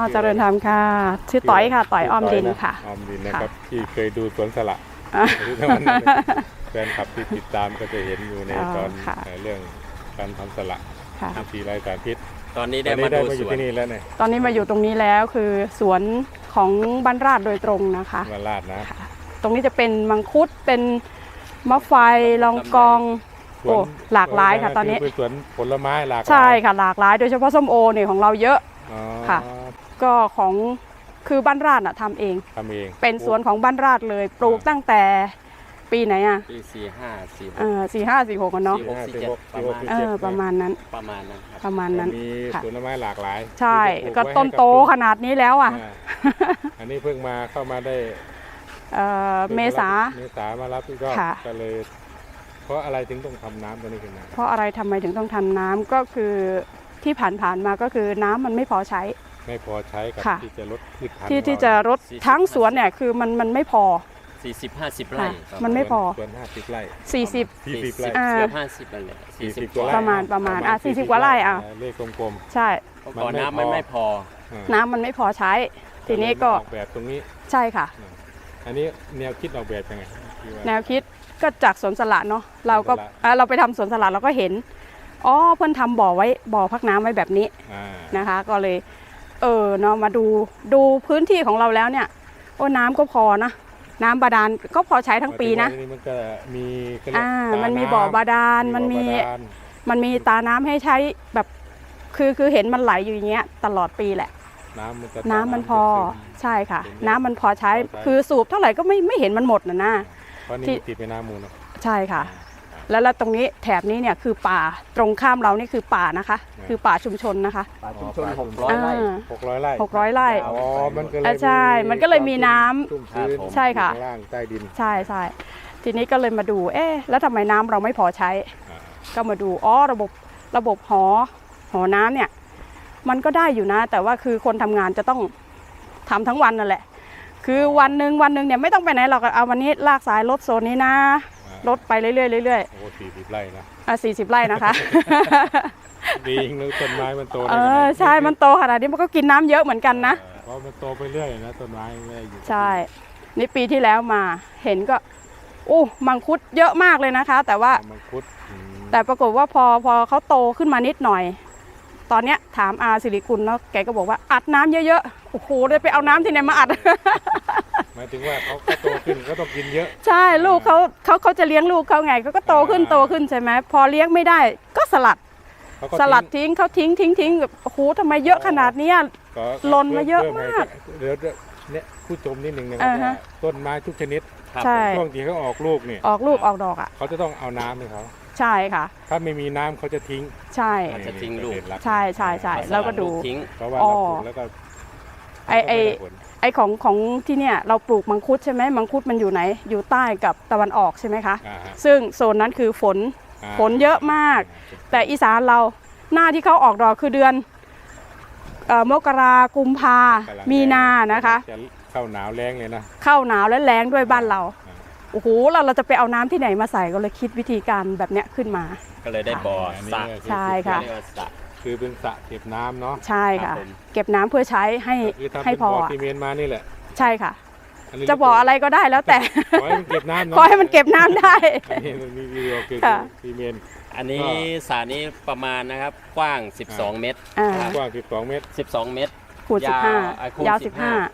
เจริญธรรมค่ะชื่อต่อยค่ะต่อยอ้อมดินค่ะอ้อมดินนะครับที่เคยดูสวนสละแฟนคลับที่ติดตามก็จะเห็นอยู่ในตอนเรื่องการทำสละที่ไร้สารพิษตอนนี้ได้มาดูสวนที่นี่แล้วเนี่ยตอนนี้มาอยู่ตรงนี้แล้วคือสวนของบ้านราดโดยตรงนะคะบ้านราดนะตรงนี้จะเป็นมังคุดเป็นมะไฟลองกองโอ้หลากหลายค่ะตอนนี้เป็นสวนผลไม้หลากหลายใช่ค่ะหลากหลายโดยเฉพาะส้มโอเนี่ยของเราเยอะค่ะก็ของคือบ้านราดทำเองเป็นสวนของบ้านราดเลยปลูกตั้งแต่ปีไหนอ่ะปี 4546กันเนาะประมาณนั้นมีผลไม้หลากหลายใช่ก็ต้นโตขนาดนี้แล้วอ่ะอันนี้เพิ่งมาเข้ามาได้เมษามารับก็เลยเพราะอะไรถึงต้องทำน้ำตัวนี้ขึ้นมาเพราะอะไรทำไมถึงต้องทำน้ำก็คือที่ผ่านมาก็คือน้ำมันไม่พอใช้กับที่จะลดพืชพันธุ์ที่จะลดทั้งสวนเนี่ยคือมันไม่พอ 40-50 ไร่มันไม่พอสวน50 ไร่ 40 ไร่เกือบ50นั่นแหละ40กว่าประมาณ40กว่าไร่เลขกลมๆใช่ก่อนน้ำมันไม่พอน้ำมันไม่พอใช้ทีนี้ก็ออกแบบตรงนี้ใช่ค่ะอันนี้แนวคิดออกแบบยังไงแนวคิดก็จากสวนสละเนาะเราไปทำสวนสละเราก็เห็นเพื่อนทำบ่อพักน้ำไว้แบบนี้นะคะก็เลยเนาะมาดูพื้นที่ของเราแล้วเนี่ยน้ำก็พอนะน้ำบาดาลก็พอใช้ทั้งปีนะมันก็มีมันมีบ่อบาดาลมันมีตาน้ำให้ใช้แบบคือเห็นมันไหลอยู่อย่างเงี้ยตลอดปีแหละน้ำมันพอใช่ค่ะน้ำมันพอใช้คือสูบเท่าไหร่ก็ไม่เห็นมันหมดนะเพราะนี่ติดเป็นน้ำมูลใช่ค่ะแล้วตรงนี้แถบนี้เนี่ยคือป่าตรงข้ามเรานี่คือป่านะคะคือป่าชุมชนนะคะป่าชุมชน600 ไร่ 600 ไร่ใช่มันก็เลยมีน้ำใช่ค่ะล่างใต้ดินใช่ทีนี้ก็เลยมาดูแล้วทำไมน้ำเราไม่พอใช้ก็มาดูระบบหอน้ำเนี่ยมันก็ได้อยู่นะแต่ว่าคือคนทำงานจะต้องทำทั้งวันนั่นแหละคือวันหนึ่งเนี่ยไม่ต้องไปไหนหรอกเอาวันนี้ลากสายรถโซนนี้นะรถไปเรื่อยโอ้40 ไร่นะ 40 ไร่นะคะดีนึกต้นไม้มันโตใช่มันโตขนาดนี้มันก็กินน้ำเยอะเหมือนกันนะเพราะมันโตไปเรื่อยนะต้นไม้ไม่อยู่ใช่นี่ปีที่แล้วมาเห็นก็มังคุดเยอะมากเลยนะคะแต่ว่ามังคุดแต่ปรากฏว่าพอเขาโตขึ้นมานิดหน่อยตอนเนี้ยถามอาสิริกุลแล้วแกก็บอกว่าอัดน้ำเยอะๆโอ้โหเลยไปเอาน้ำที่ไหนมาอัดหมายถึงว่าเขาโตขึ้นก็ต้องกินเยอะใช่ลูกเขาจะเลี้ยงลูกเขาไงก็โตขึ้นใช่ไหมพอเลี้ยงไม่ได้ก็สลัดทิ้งเขาทิ้งแบบโอ้โหทำไมเยอะขนาดนี้หล่นมาเยอะมากเดี๋ยวเนี่ยผู้ชมนิดนึงนะครับต้นไม้ทุกชนิดช่วงที่เขาออกลูกเนี่ยออกลูกออกดอกเขาจะต้องเอาน้ำให้เขาใช่ค่ะถ้าไม่มีน้ำเขาจะทิ้งใช่จะทิ้งลูกใช่แล้วก็ดูเพราะว่าเราปลูกแล้วก็ไอของที่เนี่ยเราปลูกมังคุดใช่ไหมมังคุดมันอยู่ไหนอยู่ใต้กับตะวันออกใช่ไหมคะซึ่งโซนนั้นคือฝนเยอะมากแต่อีสานเราหน้าที่เขาออกดอกคือเดือนมกรากุมภามีนานะคะเข้าหนาวแรงเลยนะเข้าหนาวและแรงด้วยบ้านเราโอ้โหเราจะไปเอาน้ำที่ไหนมาใส่ก็เลยคิดวิธีการแบบเนี้ยขึ้นมาก็เลยได้บ่อสระใช่ค่ะคือเป็นสระเก็บน้ำเนาะใช่ค่ะเก็บน้ำเพื่อใช้ให้พอที่เมียนมานี่แหละใช่ค่ะจะบอกอะไรก็ได้แล้วแต่ขอให้มันเก็บน้ำขอให้มันเก็บน้ำได้นี่มันมีวิดีโอคือที่เมียนอันนี้สระนี้ประมาณนะครับกว้าง12 เมตรกว้าง12 เมตรคูณ15ยาว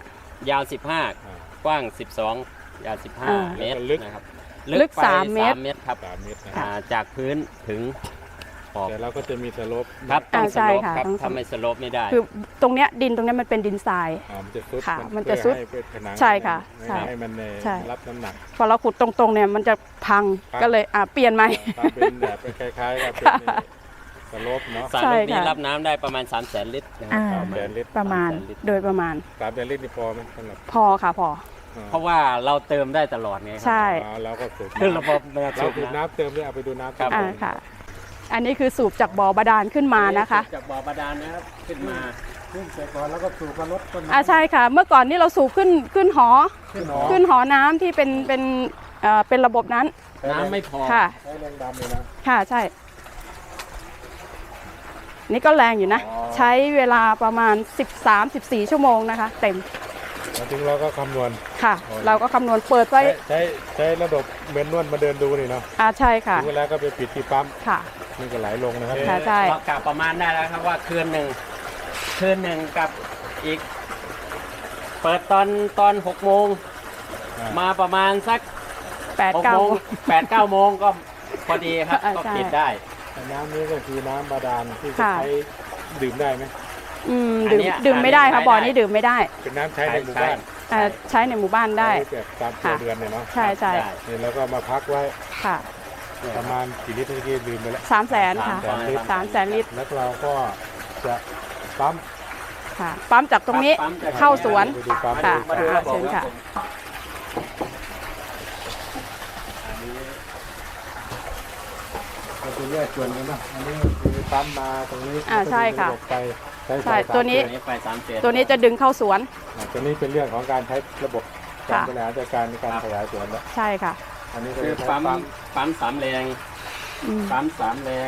15กว้าง12ยาว15 เมตรนะครับลึก3 เมตรครับจากพื้นถึงแต่เราก็จะมีสโลปครับต้องสโลปครับทำให้สโลปไม่ได้คือตรงเนี้ยดินตรงนี้มันเป็นดินทรายมันจะซุดใช่ค่ะให้มันรับน้ำหนักพอเราขุดตรงๆเนี่ยมันจะพังก็เลยเปลี่ยนใหม่เป็นแบบคล้ายๆกับสโลปเนาะสระนี้รับน้ำได้ประมาณ300,000 ลิตรประมาณโดยประมาณ 300,000 ลิตรนี่พอไหมสำหรับพอค่ะพอเพราะว่าเราเติมได้ตลอดไงใช่เราก็สูบระบบเราสูบน้ำเติมด้วยเอาไปดูน้ำค่ะอันนี้คือสูบจากบ่อบาดาลขึ้นมานะคะจากบ่อบาดาลนะครับขึ้นมาแต่ก่อนแล้วก็สูบมาลดต้นใช่ค่ะเมื่อก่อนนี่เราสูบขึ้นหอน้ำที่เป็นระบบนั้นน้ำไม่พอค่ะใช้แรงดันเลยนะค่ะใช่นี่ก็แรงอยู่นะอ๋อใช้เวลาประมาณ 13-14 ชั่วโมงนะคะ เต็มมาถึงเราก็คำนวณค่ะอ๋อเราก็คำนวณเปิดไว้ใช้ระบบเมนนวลมาเดินดูนี่เนาะใช่ค่ะถึงเวลาก็ไปปิดที่ปั๊มค่ะนี่ก็ไหลลงนะครับค่ะใช่เรากะประมาณได้แล้วครับว่าคืนหนึ่งกับอีก เปิดตอน6 โมงอ่ามมาประมาณสัก 6 8-9 โมง8-9 โมงก็พอดีครับ ก็ใช่ปิดได้น้ำนี้ก็คือน้ำบาดาลที่จะค่ะใช้ดื่มได้ไหมอันเนี้ยดื่มไม่ได้ค่ะอันนี้บ่อนี้ดื่มไม่ได้เป็นน้ำใช้ในหมู่บ้านใช้ในหมู่บ้านได้ใช้แบบตามตัวเดือนเนี่ยเนาะใช่ใช่ได้นี่แล้วก็มาพักไว้ค่ะประมาณกี่ลิตรเมื่อกี้ดื่มไปแล้ว 300,000 ค่ะ 300,000 ลิตรแล้วเราก็จะปั๊มค่ะ ปั๊มจากตรงนี้ปั๊มจากเข้าสวนไปดูปั๊มค่ะมาดูระบบเชิญค่ะมันจะแยกส่วนกันนะอันนี้คือปั๊มมาตรงนี้ใช่ค่ะแล้วก็ดึงระบบไปใช้ใช่สายตัวนี้ตัวนี้ไฟ3 ตัวนี้จะดึงเข้าสวนตัวนี้เป็นเรื่องของการใช้ระบบการค่ะบริหารจัดการในการขยายสวนแล้วใช่ค่ะอันนี้ก็คือจะใช้ปั๊ม3 แรงอืมปั๊ม3 แรง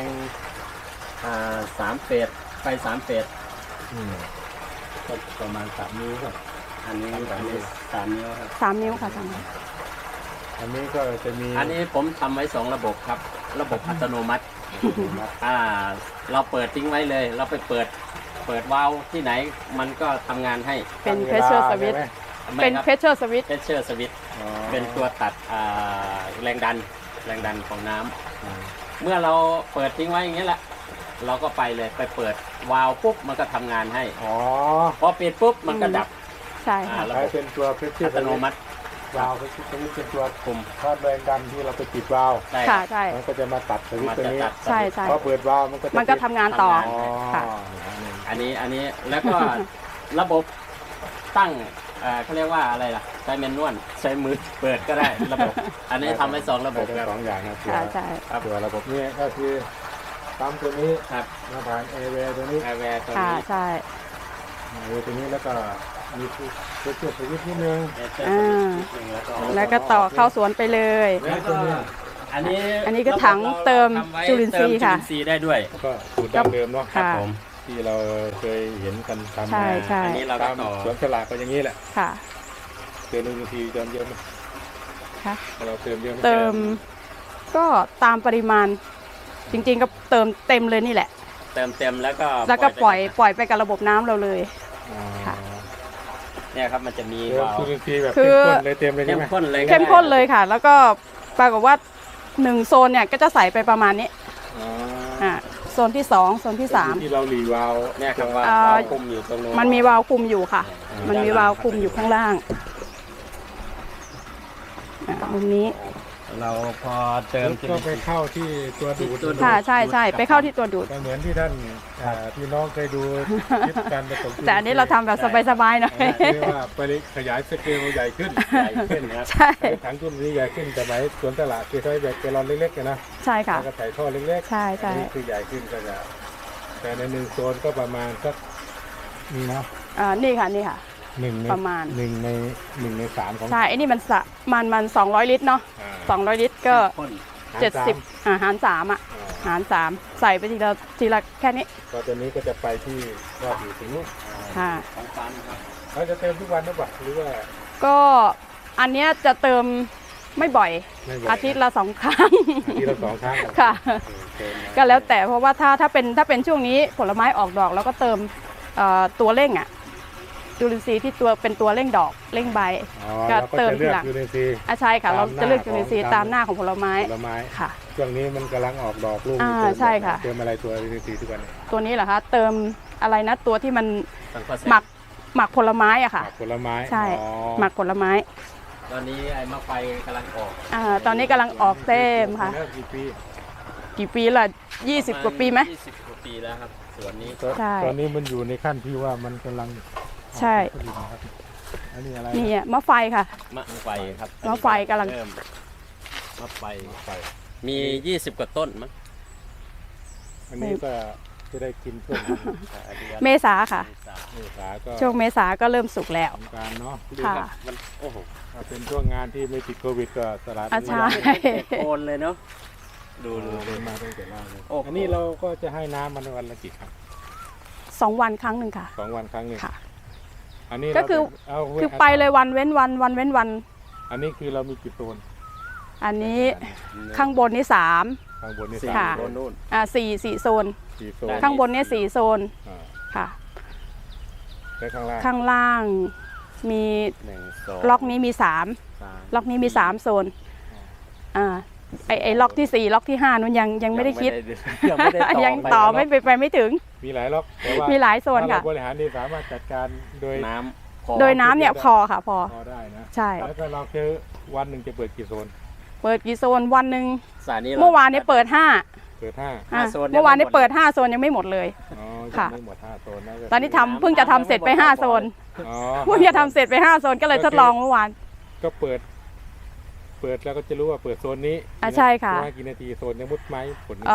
3 เฟสไฟ3 เฟสอืมก็ประมาณ3 นิ้วครับอันนี้ 3 นิ้วครับ 3 นิ้วค่ะ3 นิ้วอันนี้ก็จะมีอันนี้ผมทำไว้2 ระบบครับ ระบบอัตโนมัติ เราเปิดทิ้งไว้เลย เราไปเปิดวาล์วที่ไหนมันก็ทำงานให้เป็นตั้งวลา pressure switch ใช่ไหมเป็นไม่ครับ pressure switch เพชเชอร์สวิตอ๋อเป็นตัวตัดแรงดันของน้ำอืมเมื่อเราเปิดทิ้งไว้อย่างนี้แหละ เราก็ไปเลยไปเปิดวาล์วปุ๊บมันก็ทำงานให้อ๋อพอปิดปุ๊บมันก็ดับใช่ค่ะระใช้บบเป็นตัวเพชรอัตโนมัติวาล์วเพชรสวิตช์เป็นตัวกลุ่มทอดแรงดันที่เราไปปิดวาล์วได้ค่ะใช่มันก็จะมาตัดสวิตมัช์นตัวจะนี้ตัดใช่ใช่พอเปิดวาล์วมันก็จะมันก็ปิดทำงานต่ออ๋อค่ะอันนี้แล้วก็ ระบบตั้งเขาเรียกว่าอะไรล่ะใช้แมนนวลใช้มือเปิดก็ได้ระบบ อันนี้ทำไว้2 ระบบทั้ครังบสองอย่างนะใช่ใช่ครับตัวระบบนี้ก็คือปั๊มตัวนี้ครับมาผ่านเอเวตัวนี้แอร์แวร์ตัวค่ะนี้ใช่เอตัวนี้แล้วก็มีเพชรสวิตช์นิดนึงเอเจอร์สวิตช์นิดนึงแล้วก็แล้วก็ต่อเข้าสวนไปเลยแล้วก็อันนี้ก็ถังเติมทำไว้จุลินทรีย์ค่ะเติมจุลินทรีย์ได้ด้วยก็สูตรดั้งเดิมเนาะค่ะผมที่เราเคยเห็นกันทำใช่มาใช่อันนี้เราก็ตามต่อสวนสลากก็อย่างนี้แหละค่ะเติมบางทีเติมเยอะไหมค่ะเราเติมเยอะไหมเติมก็ตามปริมาณ จริงๆก็เติมเต็มเลยนี่แหละเติมเต็มแล้วก็แล้วก็ปล่อยไปกับระบบน้ำเราเลยอ๋อค่ะเนี่ยครับมันจะมีเติมวาล์วจุลินทรีย์แบบคืเข้มอข้นเลยเต็มเลยเข้ใช่มไหมข้นเลยก็เข้มข้นได้เลยค่ะ แล้วก็ปรากฏว่า1 โซนเนี่ยก็จะใส่ไปประมาณนี้อ๋อโซนที่ 2 โซนที่ที่เราหลีวาล์วเนี่ยครับว่าอ่าวาล์วคุมอยู่ตรงนู้น 3 มันมีวาล์วคุมอยู่ค่ะ มันมีวาล์วคุมอยู่ข้างล่างมุมนี้เราพอเติมจุก็ลินทไปรีย์เข้าที่ตัวดูดตัวดูดค่ะใช่ใช่ไปเข้าที่ตัวดูดก็เหมือนที่ท่านพี่น้องเคยดูคลิปการผสมจุลิทรีย์แต่อันนี้เราทำแบบสบายๆหน่อยเรียกว่าไปขยายสเกลใหญ่ขึ้นใหญ่ขึ้นนะครับใช่ใช้ถังจุลินทรีย์ใหญ่ขึ้นแต่หมายสวนตลาดคือใช้แบบแกลลอนเล็กๆนะใช่ค่ะแล้วก็ใส่ท่อเล็กๆใช่ใช่อันนี้คือใหญ่ขึ้นก็จะแต่ใน1 โซนก็ประมาณสักนี่เนาะนี่ค่ะนี่ค่ะ 1 ในประมาณ 1 ใน 3ของใช่ไอ้นี่มัน200 ลิตรเนาะอ่า 200 ลิตรก็ข้น 70หาร3อ่ะอ่าหาร3ใส่ไปทีละแค่นี้ก็ตัวนี้ก็จะไปที่ก็อยู่ถึงนู้นค่ะของปั๊มครับเราจะเติมทุกวันหรือเปล่าหรือว่าก็อันเนี้ยจะเติมไม่บ่อยไม่บ่อยอาทิตย์ละ2 ครั้งอาทิตย์ละ2 ครั้งค่ะเติมนะก็แล้วแต่เพราะว่าถ้าเป็นช่วงนี้ผลไม้ออกดอกแล้วก็เติมตัวเร่งอ่ะจุลินทรีย์ที่เป็นตัวเร่งดอกเร่งใบอ๋อก็เราก็เติมจะเลืทีอกหลังจุลินทรีย์ใช่ค่ะ เราจะเลือกจุลินทรีย์ตาตาม มหหน้าน้าของผลไม้ผลไม้ค่ะช่วงนี้มันกำลังออกดอกลูกใช่ค่ะเติมอะไรตัวจุลินทรีย์ทุกวันนี้ตัวนี้เหรอคะเติมอะไรนะตัวที่มันสังเคราะห์หมักผลไม้อะค่ะหมักผลไม้ใช่อ๋อหมักผลไม้ตอนนี้ไอ้มะไฟกำลังออกตอนนี้กำลังออกเต็มค่ะแล้วกี่ปีกี่ปีละ20 กว่าปีไหม 20 กว่าปีแล้วครับสวนนี้ใช่ตอนนี้มันอยู่ในขั้นที่ว่ามันกำลังใช่ผลิตนะครับอันนี้อะไรนี่มะไฟค่ะมะไฟครับมะไฟกำลังเริ่มมะไฟไฟมี 20 กว่าต้นมั้งอันนี้ก็จะได้กินช่วงเมษาค่ะเมษาก็ช่วงเมษาก็เริ่มสุกแล้วสงกรารเนาะค่ะมันโอ้โหถ้าเป็นช่วงงานที่ไม่ติดโควิดก็ตลาดใช่โคนเลยเนาะดูเดินมาตั้งแต่แรกเลยโอ้โหอันนี้เราก็จะให้น้ำมันวันละกี่ครั้ง 2 วันครั้งหนึ่งค่ะ 2 วันครั้งหนึงค่ะอันนี้ก็คือเอาคือไปเลยวันเว้นวันวันเว้นวันอันนี้คือเรามีกี่โซนอันนี้ข้างบนนี่3 ข้างบนนี่สี่ค่ะโซนนู่น 4โซน 4 โซนข้างบนเนี่ย4โซนอ่าค่ะและข้างล่างข้างล่างมี 1 2 ล็อกนี้มี3 3 ล็อกนี้มี3โซนไอ้ล็อกที่4ล็อกที่5นู้นยังไม่ได้คิดยังไม่ได้ต่อยังต่อไม่ถึงมีหลายล็อกแต่ว่ามีหลายโซนถ้าค่ะเราบริหารดีสามารถจัดการโดยน้ำพอโดยน้ำเนี่ยพอค่ะพอพอได้นะใช่แล้วก็เราคือวันหนึ่งจะเปิดกี่โซนเปิดกี่โซนวันหนึ่งสายนี้เมื่อวานนี้เปิด5 เปิด5 5 โซนเมื่อวานนี้เปิด5โซนยังไม่หมดเลยอ๋อค่ะยังไม่หมด5 โซนนะก็ตอนนี้เพิ่งจะทำเสร็จไป5โซนอ๋อเพิ่งจะทำเสร็จไป5โซนก็เลยทดลองเมื่อวานก็เปิดแล้วก็จะรู้ว่าเปิดโซนนี้ใช่ค่ะว่ากี่นาทีโซนยังมุดไหมผล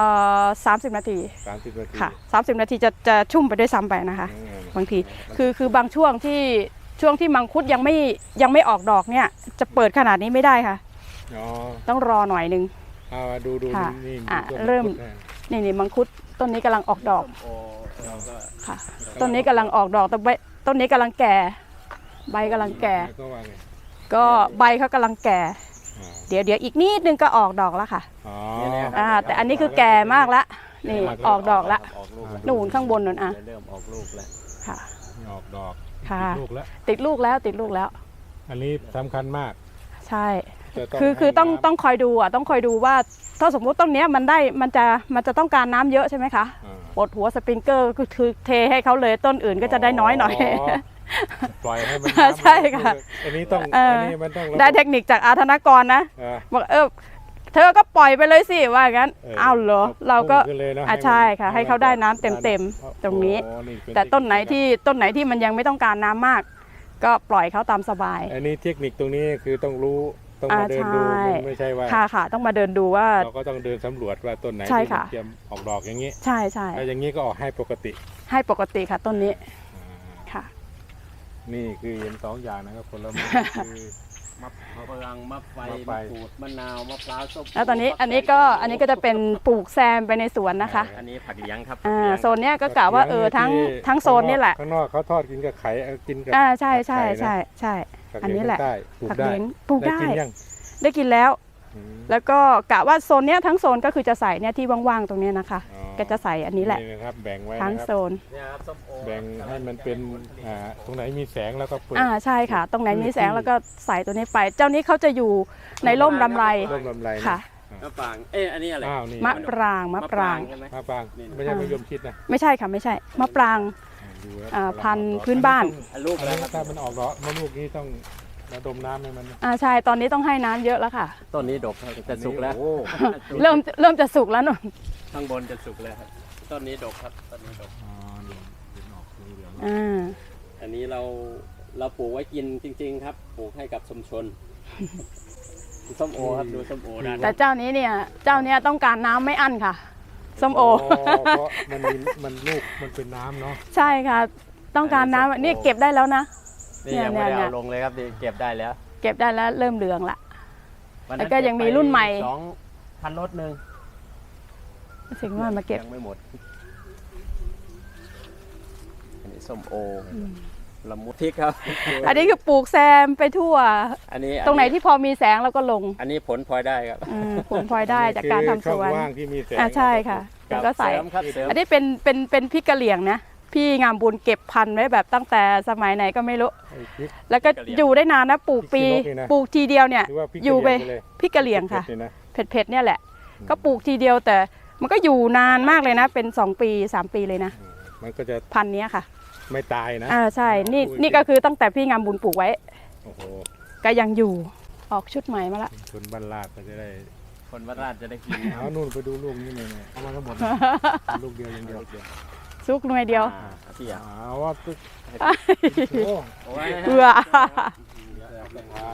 30 นาที 30 นาทีค่ะ30 นาทีจะชุ่มไปด้วยซ้ำไปนะคะ บางทีคือบางช่วงที่มังคุดยังไม่ออกดอกเนี่ยจะเปิดขนาดนี้ไม่ได้ค่ะอ๋อต้องรอหน่อยนึงเอาดูค่ะนี่อ่ะต้นเริ่มพุทธนะนี่มังคุดต้นนี้กำลังออกดอกโอ้เราก็ค่ะ ต้นนี้กำลังออกดอกแต่ใบต้นนี้กำลังแก่ ใบกำลังแก่ก็ว่าไงก็ใบเขากำลังแก่อ่าเดี๋ยวอีกนิดนึงก็ออกดอกแล้วค่ะอ๋อแต่อันนี้คือแก่มากละนี่ออกดอกละออกลูกหนูนข้างบนนั่นอ่ะเริ่มออกลูกแล้วค่ะออกดอกค่ะติดลูกแล้วติดลูกแล้วอันนี้สำคัญมากใช่จะคือให้น้ำต้องคอยดูอ่ะต้องคอยดูว่าถ้าสมมุติต้นเนี้ยมันจะต้องการน้ำเยอะใช่ไหมคะอ่าปลดหัวสปริงเกอร์ก็คือเทให้เขาเลยต้นอื่นก็จะได้น้อยหน่อยปล่อยให้มันใช่ค่ะอันนี้ต้องเอออัอันนี้มันต้องได้เทคนิคจากอาธนกรนะอ่าบอกเธอก็ปล่อยไปเลยสิว่าอย่างนั้นอ้าวเหรอเราก็พุ่งขึ้นเลยเนอะใช่ค่ะมันให้เขาได้น้ำเต็มๆตรงนี้โอ้เป็แต่ต้นไหนเทคที่มันยังไม่ต้องการน้ำมาก ก็ปล่อยเขาตามสบายอันนี้เทคนิคตรงนี้คือต้องรู้ต้องมาเดินดูใช่มันไม่ใช่ว่าค่ะต้องมาเดินดูว่าเราก็ต้องเดินสำรวจว่าต้นไหนใช่ที่ค่ะมันเตรียมออกดอกอย่างนี้ใช่แล้วอย่างนี้ก็ออกให้ปกติให้ปกติค่ะต้นนี้อ่าค่ะนี่คือเห็น2 อย่างนะครับผลไม้คือมะปรางมะไฟมะไฟมะกรูดมะนาวมะพร้าวส้มแล้วตอนนี้อันนี้ก็จะเป็นปลูกแซมไปในสวนนะคะอันนี้ผักเลี้ยงครับโซนเนี้ยก็กะว่าทั้งโซนนี่แหละข้างนอกเขาทอดกินกับไข่กินกับใช่ไข่นะ ผักอันเลี้ยงนี้แหละใต้ปลูกผักได้เลี้ยงปลูกได้กินยังได้กินแล้วอืมแล้วก็กะว่าโซนเนี้ยทั้งโซนก็คือจะใส่เนี่ยที่ว่างๆตรงเนี้ยนะคะอ๋อก็จะใส่อันนี้แหละนะครับแบ่งไว้ทั้งนะครับโซนเนี่ยครับส้มโอแบ่งให้มันเป็นตรงไหนมีแสงแล้วก็เปิดใช่ค่ะ ตรงไหนมีแสงแล้วก็ใส่ตัวนี้ไป เจ้านี้เขาจะอยู่ในร่มลำไรร่มลำไรนะค่ะมะปรางอันนี้อะไรอ้าวนี่มะปรางใช่ไหมมะปรางไม่ใช่มะยมชิดนะไม่ใช่ค่ะไม่ใช่มะปรางดูแล้วพันธุ์พื้นบ้านลูกอันแล้วนี้ครับถ้ามันออกดอกมะลูกนี้ต้องระดมน้ำให้มันใช่ตอนนี้ต้องให้น้ำเยอะแล้วค่ะต้นนี้ดกครับจะสุกแล้วโอ้เริ่มจะสุกแล้วหนูข้างบนจะสุกแล้วครับต้นนี้ดกครับต้นนี้ดกอ๋อนี่เห็นออกสีเหลืองอันนี้เราปลูกไว้กินจริง ๆ ครับปลูกให้กับชุมชนส้มโอครับดูส้มโอด้านแต่เจ้านี้เนี่ยต้องการน้ำไม่อั้นค่ะส้มโอเพราะมันลูกมันเป็นน้ำเนาะใช่ค่ะ ต้องการน้ำนี่เก็บได้แล้วนะนี่ยังไม่ได้เนี่ยเอาลงเลยครับนี่เก็บได้แล้วเก็บได้แล้วเริ่มเหลืองละวันแล้นั้นวก็ยังมีรุ่นใหม่ 2,000 รถหนึ่งถึงว่ามาเก็บยังไม่หมดอันนี้ส้มโอละมุดพริกครับอันนี้คือปลูกแซมไปทั่วอันนี้ตรงไหนที่พอมีแสงเราก็ลงอันนี้ผลพลอยได้ครับผลพลอยได้จากการทำสวนคือช่องว่างที่มีแสงใช่ค่ะแล้วก็ใส่เสริมครับเสริมอันนี้เป็นพริกกะเหรี่ยงนะพี่งามบุญเก็บพันธุ์ไว้แบบตั้งแต่สมัยไหนก็ไม่รู้ไอ้พริกแล้วก็อยู่ได้นานนะปลูกปีพริกขี้นกนี่นะปลูกทีเดียวเนี่ยหรือว่าพริกอยู่ไปกระเหรี่งเลยพริกกะเหรี่ยงค่ะเผ็ดๆเลยนะเผ็ดๆเนี่ยแหละ ก็ปลูกทีเดียวแต่มันก็อยู่นานมากเลยนะ เป็น2 ปี 3 ปีเลยนะมันก็จะพันธุ์เนี้ยค่ะไม่ตายนะใช่นี่ก็คือตั้งแต่พี่งามบุญปลูกไว้โอ้โหก็ยังอยู่ออกชุดใหม่มาละคนบ้านลาดก็จะได้คนวัดราชจะได้กินเอานู่นไปดูลูกนี่เลยเนี่ยเอามาทั้งหมด ลูกเดียวอย่างเดียวซุกหน่วยเดียวพี่อ่ะเอาว่าตึ๊กโอ้โอ้ยเบื่อสบาย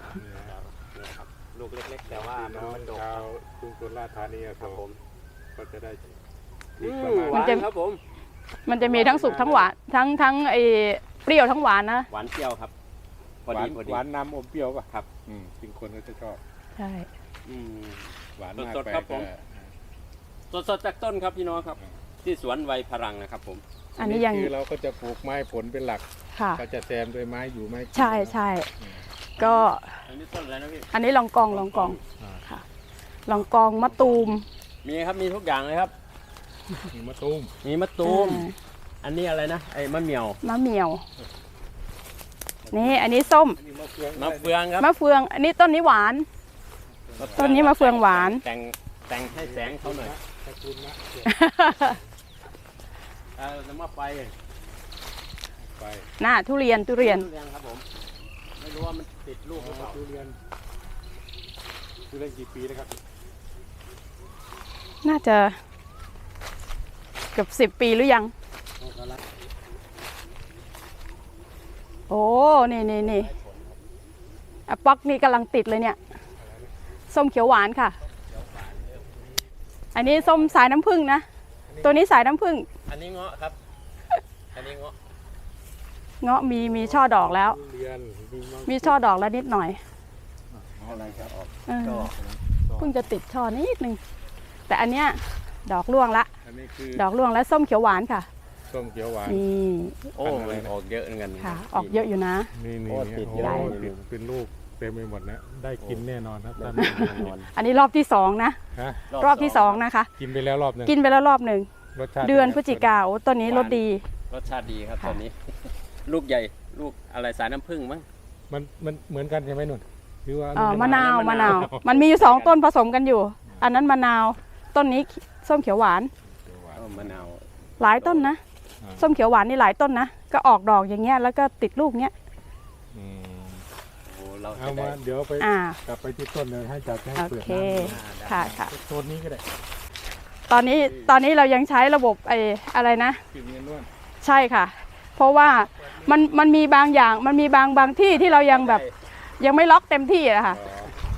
ลูกเล็กๆ แต่ว่าน้องมันดกชาวกรุงสุราษฎร์ธานีครับผมก็จะได้หวานครับผมมันจะมีทั้งสุกทั้งหวานทั้งไอ้เปรี้ยวทั้งหวานนะหวานเปรี้ยวครับพอหวาดีนพอดีหวานนำอมเปรี้ยวป่ะครับจริงคนก็จะชอบใช่อืมหวานมากสดๆไปครับผม สดๆจากต้นครับพี่น้องครับ ที่สวนไวพลังนะครับผมอันนี้ยังคือเราก็จะปลูกไม้ผลเป็นหลักค่ะก็จะแซมด้วยไม้อยู่ไม้ใช่ใช่ก็อันนี้ต้นอะไรนะพี่อันนี้ลองกองค่ะลองกองมะตูมมีครับมีทุกอย่างเลยครับมีมะตูมมีมะตูมอันนี้อะไรนะไอ้มะเหมี่ยวมะเหมี่ยวนี่อันนี้ส้มมีมะเฟืองมะเฟืองครับมะเฟืองอันนี้ต้นนี้หวาน ต้นนี้มะเฟืองหวานแต่งให้แสงเขาหน่อยตระกูลมะเฟืองแล้วมะไฟไปน่าทุเรียนทุเรียนครับผมไม่รู้ว่ามันติดลูกหรือเปล่าทุเรียนกี่ปีนะครับน่าจะเกือบ10 ปีหรือยัง โอ้นี่อะป๊อกนี่กำลังติดเลยเนี่ย ส้มเขียวหวานค่ะ อันนี้ส้มสายน้ำผึ้งนะ ตัวนี้สายน้ำผึ้งอันนี้เงาะครับ อันนี้เงาะเงาะมีช่อดอกแล้วทุเรียนมีมะมีช่อดอกแล้วนิดหน่อยอะไรจะออกเออเพิ่งจะติดช่อนิดนึง แต่อันเนี้ยดอกร่วงละอันนี้คือดอกร่วงแล้วส้มเขียวหวานค่ะส้มเขียวหวานนี่โอ้มันออกเยอะเหมือนกันค่ะ ออกเยอะอยู่นะนี่โอ้ติดโอ้ใหญ่ติดเป็นลูกเต็มไปหมดนะได้กินแน่นอนครับท่านแน่นอนอันนี้รอบที่2นะฮะรอบที่2นะคะกินไปแล้วรอบหนึงกินไปแล้วรอบหนึ่งรสชาติเดือนพฤศจิกาโอ้ต้นนี้รสดีรสชาติดีครับค่ะตอนนี้ ลูกใหญ่ลูกอะไรสายน้ำผึ้งมั้งมันเหมือนกันใช่ไหมนุ่นหรือว่ามะนาวมะนาวมันมีอยู่2ต้นผสมกันอยู่ อันนั้นมะนาวต้นนี้ส้มเขียวหวานมะนาวหลายต้นนะ ส้มเขียวหวานนี่หลายต้นนะ ก็ออกดอกอย่างเงี้ยแล้วก็ติดลูกเงี้ยอืมโอ้เราเอาจะได้มาเดี๋ยวไปอ่ากลับไปที่ต้นเลยให้จัดให้โอเปิดเคน้ำค่ะค่ะโซนนี้ก็ได้ตอนนี้เรายังใช้ระบบอะไรนะกินเงินล้วนใช่ค่ะ เพราะว่ามันมีบางอย่างมันมีบางที่ที่เรายังแบบยังไม่ล็อกเต็มที่อะค่ะล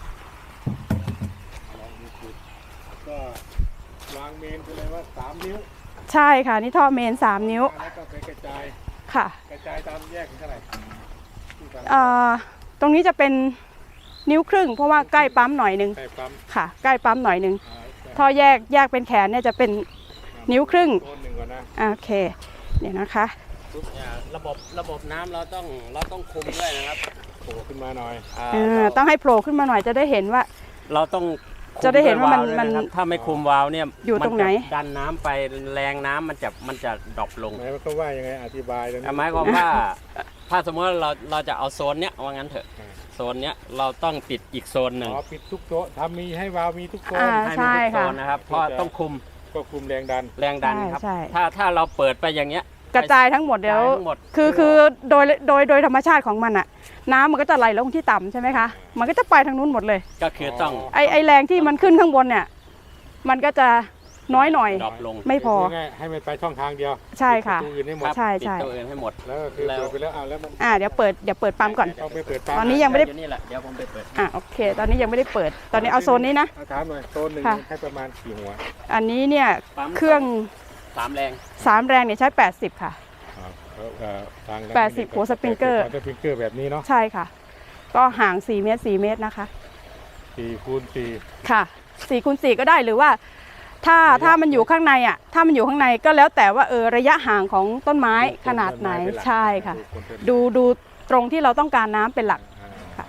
องดูจุดก็วางเมนไปเลยว่า3 นิ้วใช่ค่ะนี่ท่อเมน3 นิ้วแล้วก็ไปกระจายค่ะกระจายตามแยกเท่าไหร่ที่ฟังตรงนี้จะเป็นนิ้วครึ่งเพราะว่าใกล้ปั๊มหน่อยนึงใส่ปั๊มค่ะ ใกล้ปั๊มหน่อยนึงใส่ท่อแยกเป็นแขนเนี่ยจะเป็นนิ้วครึ่งโซนหนึ่งก่อนนะโอเคเนี่ยนะคะระบบน้ำเราต้องคุมด้วยนะครับโผล่ขึ้นมาหน่อยต้องให้โผล่ขึ้นมาหน่อยจะได้เห็นว่าเราต้องคุจะได้เห็นว่ามันด้วยะครับถ้าไม่คุมวาล์วเนี่ยอยู่ตรงไหนมัจะดันน้ำไปแรงน้ำมันจะดรอปลงหมายความว่ายังไงอธิบายตรงนี้หมายความว่า ถ้าสมมติว่าเราจะเอาโซนเนี้ยว่างั้นเถอะอ่าโซนเนี้ยเราต้องปิดอีกโซนหนึ่งอ๋อปิดทุกโต๊ะทำมีให้วาล์วมีทุกโซนอ่าให้มีทุกโซใช่ค่ะนนะครับเพราะต้องคุมก็คุมแรงดันแรงดันครับใช่ถ้าเราเปิดไปอย่างเงี้ยกระจายทั้งหมดเดี๋ยวกระจายทั้งหมดคือโดยธรรมชาติของมันอะน้ำมันก็จะไหลลงที่ต่ำใช่ไหมคะมันก็จะไปทางนู้นหมดเลยก็คือต้องไอแรงที่มันขึ้นข้างบนเนี่ยมันก็จะน้อยหน่อยดรอปลงไม่พอง่ายๆให้มันไปช่องทางเดียวใช่ค่ะปิดประตูอื่นให้หมดครับใช่ปิดใช่ตัวอื่นให้หมดแล้วก็คือแล้วเปิดไปแล้วแล้วมันเดี๋ยวเปิดปั๊มก่อนต้องไปเปิดปั๊มตอนนี้ยังไม่ได้อยู่นี่แหละเดี๋ยวผมไปเปิดโอเค ตอนนี้ยังไม่ได้เปิด ตอนนี้เอาโซนนี้นะเอาถามหน่อยโซนหนึ่งค่ะให้ประมาณกี่หัวอันนี้เนี่ยปั๊มเครื่อง 3 แรง 3 แรงเนี่ยใช้ 80 ค่ะทาง 80หัวสปริงเกอร์สปริงเกอร์แบบนี้เนาะใช่ค่ะ ก็ห่าง4 เมตร 4 เมตรนะคะ 4 คูณ 4 ค่ะ4 คูณ 4 ก็ได้หรือว่าถ้ามันอยู่ข้างในอ่ะถ้ามันอยู่ข้างในก็แล้วแต่ว่าระยะห่างของต้นไม้ขนาดไหนใช่ค่ะ ดูตรงที่เราต้องการน้ำเป็นหลัก ค่ะ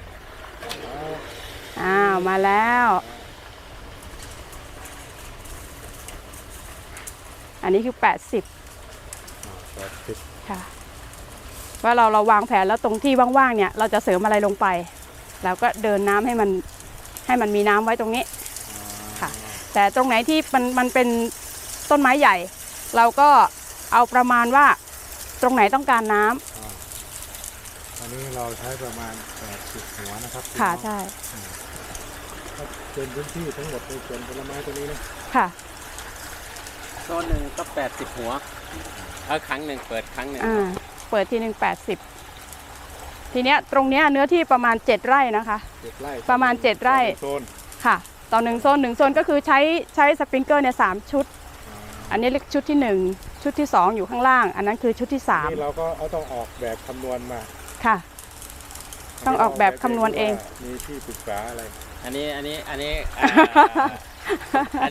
มาแล้ว อันนี้คือ 80 ค่ะ ว่าเราวางแผนแล้วตรงที่ว่างๆเนี่ยเราจะเสริมอะไรลงไป แล้วก็เดินน้ำให้มันมีน้ำไว้ตรงนี้ค่ะ แต่ตรงไหนที่มันเป็นต้นไม้ใหญ่ เราก็เอาประมาณว่าตรงไหนต้องการน้ำอันนี้เราใช้ประมาณ80หัวนะครับค่ะใช่ก็เป็นพื้นที่ทั้งหมดในสวนผลไม้ตัวนี้นะค่ะโซนหนึ่งก็80 หัวครั้งหนึ่งเปิดครั้งหนึ่งเปิดทีหนึ่ง80 ทีเนี้ยตรงเนี้ยเนื้อที่ประมาณ7 ไร่นะคะ 7 ไร่ประมาณ7 ไร่โซนค่ะต่อ1 โซน1 โซนก็คือใช้สปริงเกอร์เนี่ย3 ชุด อันนี้เรียกชุดที่1ชุดที่2อยู่ข้างล่าง อันนั้นคือชุดที่นี่เราก็ต้องออกแบบคำนวณมา 3ค่ะ ต้องออกแบบคำนวณเองมีที่ปรึกษาอะไรอันนี้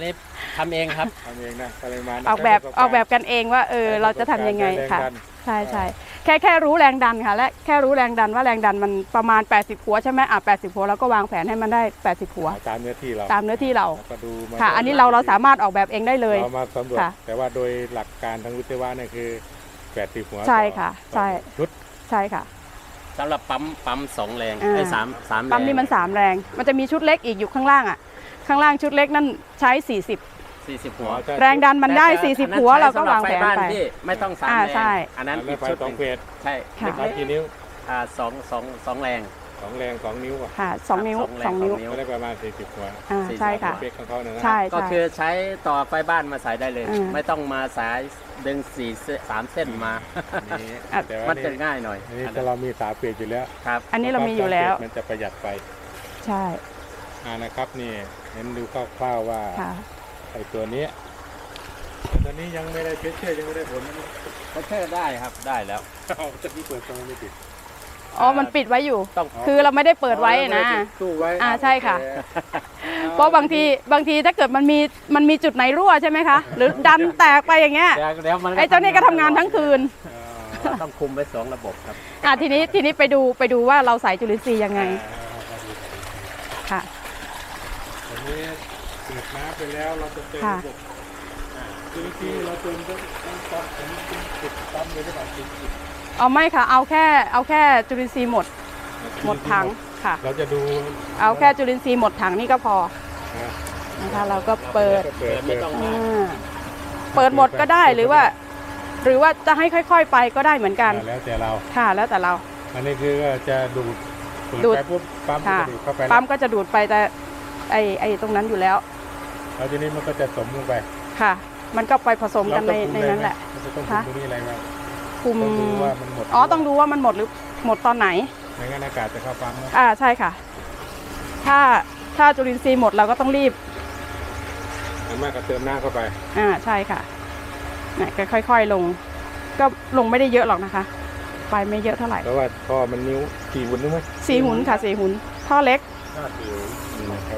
ทำเองครับทำเองนะปริมาณออกแบบกันเองว่าเราจะทำยังไงค่ะใช่ใช่แค่รู้แรงดันค่ะและแค่รู้แรงดันว่าแรงดันมันประมาณ80หัวใช่ไหม80หัวแล้วก็วางแผนให้มันได้80หัวตามเนื้อที่เราตามเนื้อที่เราก็ดูมาค่ะ อันนี้เราสามารถออกแบบเองได้เลยเรามาสำรวจค่ะแต่ว่าโดยหลักการทางวิศวะเนี่ยคือ80หัวใช่ค่ะต่อใช่ชุดใช่ค่ะสำหรับปั๊ม2แรงอ่าไอ้สามแรงปั๊มนี่มัน3แรงมันจะมีชุดเล็กอีกอยู่ข้างล่างอ่ะข้างล่างชุดเล็กนั่นใช้ 40หัว 40แรงดันมันได้แต่ 40หัวเราก็วางแผนสำหรับฟบ้ไปที่ไม่ต้อง3แรงใช่อันนั้นแล้วอีกไฟชุดสหองนึ่งเฟสใช่ค่ะนับกี่นิ้วสองแรง 2 แรง 2 นิ้วอ่ะค่ะ2นิ้วสองแรง 2นิ้วสองนิ้วก็ได้ประมาณ40หัวใช่ค่ะเฟสของเขาเนี่ยนะใช่ก็ใช่คือใช้ต่อไฟบ้านมาใส่ได้เลยอืมไม่ต้องมาสายดึง3เส้นมานี่อ่ะแต่ว่ามันนี่จะง่ายหน่อยนี่ถ้าเรามี3เฟสอยู่แล้วครับอันนี้เรามีอยู่แล้วมันจะประหยัดไฟใช่นะครับนี่เห็นดูคร่าวๆว่าค่ะไอ้ตัวนี้ตอนนี้ยังไม่ได้เพชรเชื่อยังไม่ได้ผลนะก็เชื่อได้ครับได้แล้วเอาจะมีเปิดตรงไม่ติดอ๋อมันปิดไว้อยู่ต้องคือเราไม่ได้เปิดไว้นะตู้ไว้ใช่ค่ะ เพราะบางทีถ้าเกิดมันมีจุดไหนรั่วใช่ไหมคะ หรือดันแตกไปอย่างเงี้ยแล้วมันไอ้เจ้านี่ก็ทำงานทั้งคืนเราต้องคุมไว้2ระบบครับทีนี้ไปดูว่าเราใส่จุลินทรีย์ยังไงค่ะอันนี้เปิดน้ำไปแล้วเราจะเติมค่ะระบบจุลินทรีย์เราเติมต้องปั๊มผมติดปั๊มเลยหรือเปล่าติดเอาไม่ค่ะเอาแค่จุลินทรีย์หมดถังค่ะเราจะดูเอาแค่จุลินทรีย์หมดถังนี่ก็พอนะนะคะเราก็เปิดเปิดไม่ต้องอ่าเปิดหมดก็ได้หรือว่าจะให้ค่อยๆไปก็ได้เหมือนกันแล้วแต่เราค่ะแล้วแต่เราอันนี้คือก็จะดูดเปิดูดไปปุ๊บปั๊มก็ค่ะจะดูดเข้าไปปั๊มก็จะดูดไปแต่ไอตรงนั้นอยู่แล้วแล้วทีนี้มันก็จะสมลงไปค่ะ มันก็ไปผสมกันในเราต้องคุมนั้นแหละเราจะต้องคุค่ะมตรงนี้อะไรบ้างคุมต้องดูว่ามันหมดต้องดูว่ามันหมดหรือหมดตอนไหนไม่งั้นอากาศจะเข้าปั๊มนะใช่ค่ะ ถ้าจุลินทรีย์หมดเราก็ต้องรีบอันมากก็เติมน้ำเข้าไปใช่ค่ะเนี่ยก็ค่อยๆลง ก็ลงไม่ได้เยอะหรอกนะคะ ไปไม่เยอะเท่าไหร่เพราะว่าท่อมันนิ้ว4 หุ่นนึกไหม 4 หุ่นค่ะ4 หุ่นท่อเล็กนะครับ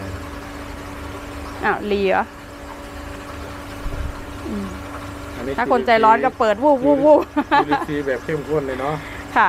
เหลียอันนี้ถ้าคนใจร้อนก็เปิดวูบวูบวูบจุลินทรีย์แบบเข้มข้นเลยเนาะค่ะ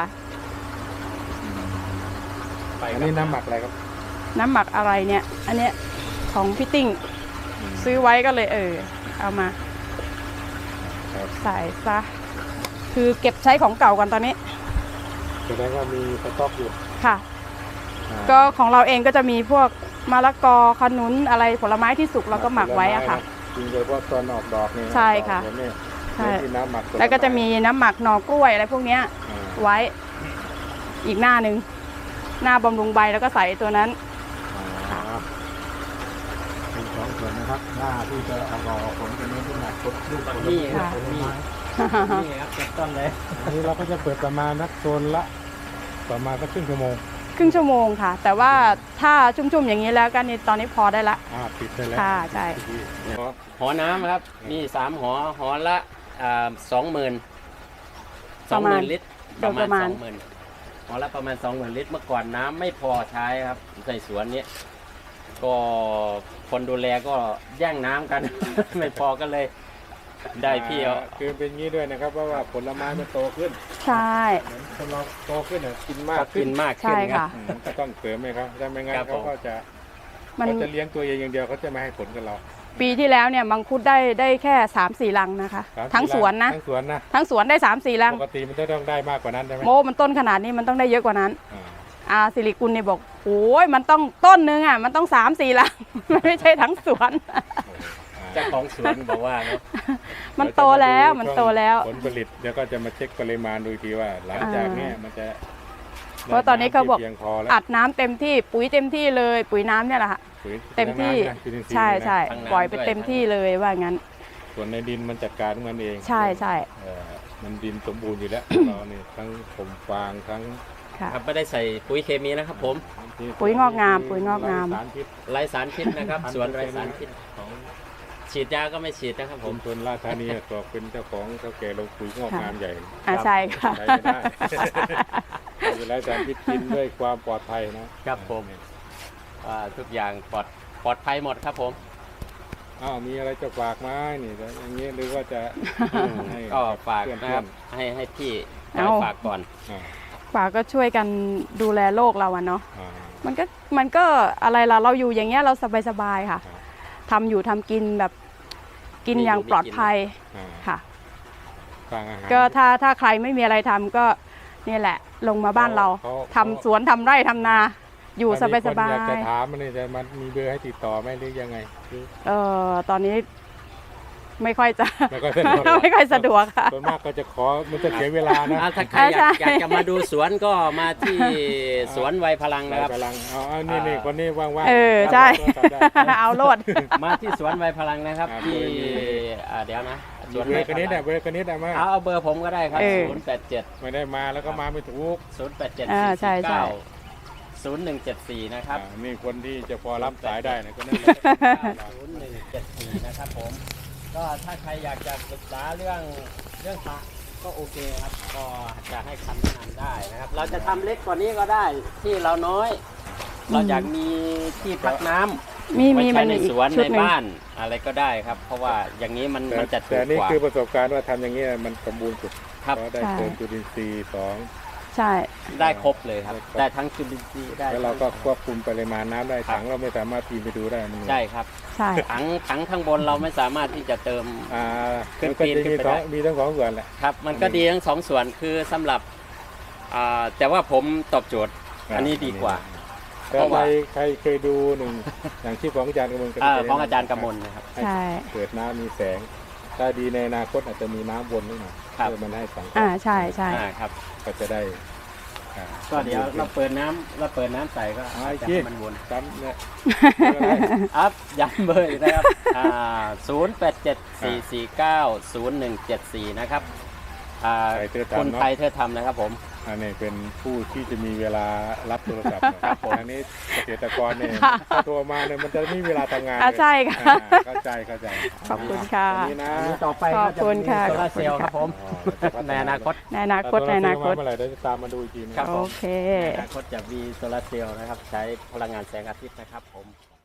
อันนี้น้ำหมักอะไรครับน้ำหมักอะไรเนี่ย อันเนี้ยของพี่ติ้งซื้อไว้ก็เลยเอามาครับใส่ซะคือเก็บใช้ของเก่ากันตอนนี้แสดงว่ามีสต็อกอยู่ค่ะอ่าก็ของเราเองก็จะมีพวกมะละกอขนุนอะไรผลไม้ที่สุกเราก็หมักไว้อะค่ะจริงโดยเฉพาะตอนออกดอกนี่นะใช่ค่ะดอกเนี่ยใช่ที่น้ำหมักผลไม้แล้วก็จะมีน้ำหมักหน่อกล้วยอะไรพวกเนี้ยอ่าไว้อีกหน้าหนึ่งหน้าบำรุงใบแล้วก็ใส่ตัวนั้นเป็นสองส่วนนะครับหน้าที่จะเอาดอกออกผลเป็นเนื้อที่หนักลูกผลนี่ไม้ครับผลนี่ไม้นี่ครับเจ็บต้นเลยอันนี้เราก็จะเปิดประมาณนักโซนละประมาณสักครึ่งชั่วโมงครึ่งชั่วโมงค่ะ แต่ว่าถ้าชุ่มๆอย่างนี้แล้วก็นี่ตอนนี้พอได้ละปิดได้แล้วค่ะใช่หอน้ำครับมี3หอละ20,000 ประมาณ 20,000 ลิตรโดยประมาณ 20,000หอละประมาณ 20,000 ลิตรเมื่อก่อนน้ำไม่พอใช้ครับในสวนนี้ก็คนดูแลก็แย่งน้ำกัน ไม่พอก็เลยได้พี่เอาคือเป็นงี้ด้วยนะครับเพราะว่าผลไม้มันโตขึ้นใช่เหมือนคนเราโตขึ้นเนี่ยกินมากก็ขึ้กินนมากขึ้นใช่ครัค่ะบก็ต้องเสริมไหมครับถ้าไม่งั้นครับผมเขาก็จะมันเขาจะเลี้ยงตัวเองอย่างเดียวเขาจะไม่ให้ผลกับเราปีที่แล้วเนี่ยมังคุดได้แค่ 3-4 ลังนะคะ 3-4 ทั้งสวนนะทั้งสวนนะทั้งสวนได้ 3-4 ลังปกติมันจะต้องได้มากกว่านั้นใช่ไหมโมมันต้นขนาดนี้มันต้องได้เยอะกว่านั้นอ่าสิริกุลเนี่ยบอกโอ้ยมันต้องต้นนึงอ่ะมันต้อง3-4 ลัง ไม่ใช่ทั้งสวนเจ้าของสวนบอกว่าเนอะมันโตแล้วมันโตแล้วผลผลิตเดี๋ยวก็จะมาเช็คปริมาณดูอีกทีว่า หลังจากเนี้ยมันจะเพราะตอนนี้เขาบอกเพียงพอแล้วอัดน้ำเต็มที่ปุ๋ยเต็มที่เลยปุ๋ยน้ำเนี่ยแหละค่ะปุ๋ยเต็มที่น้ำนะจุลินทรีย์ใช่นะใช่ปล่อยไปเต็มที่เลยว่างั้นส่วนในดินมันจัดการของมันเองใช่ใช่มันดินสมบูรณ์อยู่แล้ว เราเนี่ยทั้งผมฟางทั้งค่ะครับไม่ได้ใส่ปุ๋ยเคมีนะครับผมปุ๋ยงอกงามปุ๋ยงอกงามสารพิษไร้สารพิษนะครับ สวนไร้สารพิษของฉีดยาก็ไม่ฉีดนะครับผผมมชนราชธานีตัวเป็นเจ้าของเจ้าแก่ลงปุ๋ยงอกงามใหญ่ใช่ค่ะใช้ไม่ได้เวลาสารพิษกินด้วยความปลอดภัยนะครับผมทุกอย่างปลอดภัยหมดครับผมอ้าวมีอะไรจะฝากไหมนี่แล้วอย่างเงี้ยหรือว่าจะให้ก็ฝากเพื่อนๆนะครับให้พี่เอาฝากก่อนอ่าฝากก็ช่วยกันดูแลโลกเราอะเนาะอ่ามันก็อะไรล่ะเราอยู่อย่างเงี้ยเราสบายๆค่ะครับทำอยู่ทำกินแบบกินอย่างปลอดภัยอ่าค่ะสร้างอาหารก็ถ้าใครไม่มีอะไรทำก็เนี่ยแหละลงมาบ้านเราเขาทำสวนทำไร่ทำนา อยู่สถ้มีคนบาอยากจะยถามมันนี่จะมันมีเบอร์ให้ติดต่อไหมหรือยังไงหรือๆตอนนี้ไม่ค่อยจะไม่ค่อยสะดวกไม่ค่อยสะดวกค่ะส่วนมากก็จะขอมันจะเสียเวลานะถ้าใครอยากใช่อยากจะมาดูสวนก็มาที่สวนไวยพลังนะครับพลังเอานี่คนนี้ว่างๆเออใช่ได้เอาโลดมาที่สวนไวยพลังนะครับครับที่เดี๋ยวนะสวนเบไวอร์พคนนี้ลัเนี่ยงเบอร์คนนี้ได้ไหมเอาเบอร์ผมก็ได้ครับเออ 087 ไม่ได้มาแล้วก็มาไม่ถูก 087 ใช่ใช่ 4174นะครับนี่คนที่จะพอรับสายได้นะคนนั้น 0174นะครับผมก็ถ้าใครอยากจะปรึกษาเรื่องพระก็โอเคครับก็จะให้คำแนะนำได้นะครับ เราจะทำเล็กกว่านี้ก็ได้ที่เราน้อย เราอยากมีที่พักน้ำมีไว้มีใช้มันในอีกสวนชุในดหนึ่งบ้านอะไรก็ได้ครับ เพราะว่าอย่างนี้มันจะถูแต่กนี่กว่าคือประสบการณ์ว่าทำอย่างนี้มันสมบูรณ์สุดครับเพราะได้ใช่เติมจุลินทรีย์สองใช่ได้ครบเลยครับได้ทั้งจุลินทรีย์ได้แล้วเราก็ควบคุมปริมาณน้ำได้ถังเราไม่สามารถปีนไปดูได้มันใช่ครับใช่ถังข้างบนเราไม่สามารถที่จะเติมมันก็จะมีทั้งสองส่วนแหละครับมันก็ดีทั้งสองส่วนคือสำหรับแต่ว่าผมตอบโจทย์อันนี้ดีกว่าแต่ใครเคยดูหนึ่งอย่างที่ของอาจารย์กำมลของอาจารย์กำมลนะครับใช่เกิดน้ำมีแสง ถ้าดีในอนาคตอาจจะมีน้ำวนนิดหน่อยครับเพื่อมันให้สังเคราะใช่ใช่ครับก็จะได้ก็เดี๋ยวเราเปิดน้ำใส่ก็อาจจะให้มันวนจำเนี่ยอัพย้ำเบอร์อีกนะครับ0874490174นะครับคุณไทยเธอทำนะครับผมอันนี้เป็นผู้ที่จะมีเวลารับโทรศัพท์นะครับอันนี้เกษตรกรเนี่ยถ้าโทรมาเนี่ยมันจะไม่มีเวลาทำงานใช่ค่ะเข้าใจขอบคุณค่ะอันนี้นะอันนี้ต่อไปขอบคุณค่ะโซลาร์เซลล์ครับผม ในอนาคตในอนาคตในอนาคตเมื่อไหร่เดี๋ยวจะตามมาดูอีกทีนะครับโอเคในอนาคตจะมีโซลาร์เซลล์นะครับ ใช้พลังงานแสงอาทิตย์นะครับผม